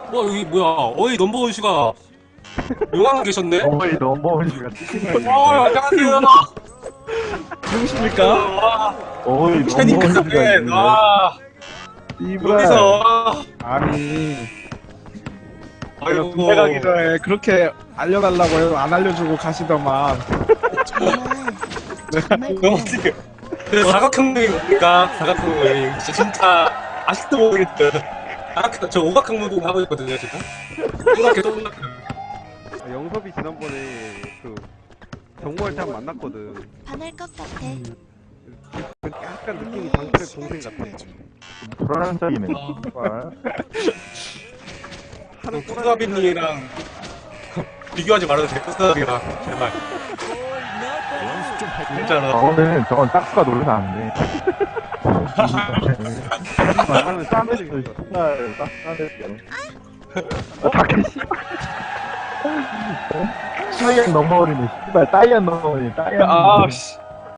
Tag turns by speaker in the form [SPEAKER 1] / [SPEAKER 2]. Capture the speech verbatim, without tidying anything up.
[SPEAKER 1] 와 여기 뭐야? 어이 넘버원 씨가 용왕 계셨네?
[SPEAKER 2] 어이 넘버원 씨가
[SPEAKER 1] 어 안녕하세요.
[SPEAKER 3] 누구십니까?
[SPEAKER 1] 와
[SPEAKER 2] 어이
[SPEAKER 1] 캐니
[SPEAKER 2] 넘버원 씨가
[SPEAKER 1] 카페 와
[SPEAKER 2] 이브라
[SPEAKER 1] 여기서
[SPEAKER 3] 아니 내가
[SPEAKER 1] 아이고
[SPEAKER 3] 군대 가기 전에 그렇게 알려달라고 해도 안 알려주고 가시더만.
[SPEAKER 4] 정말
[SPEAKER 1] 너무 지금 그 사각형무빙입니까? 사각형무빙 진짜 아직도 모르겠어요. 사각 저 오각형무빙 하고 있거든요 지금. 오각형 오각형.
[SPEAKER 5] 아, 영섭이 지난번에 그 정모할 때 한 번 만났거든.
[SPEAKER 4] 반할 것 같아.
[SPEAKER 5] 약간 느낌이 장철의 동생 같아.
[SPEAKER 2] 불안장이네
[SPEAKER 5] 하는
[SPEAKER 1] 쿠사비님이랑 비교하지 말아도 돼. 쿠사비랑 제발. 진짜로.
[SPEAKER 2] 저거는 저건 딱수가 놀라서 안돼
[SPEAKER 5] 말하는 쌈들이
[SPEAKER 2] 정말 딱수가 어? 다케시 따이안 넘버원이네 씨발 따이안 넘버원이 따이안
[SPEAKER 1] 아씨.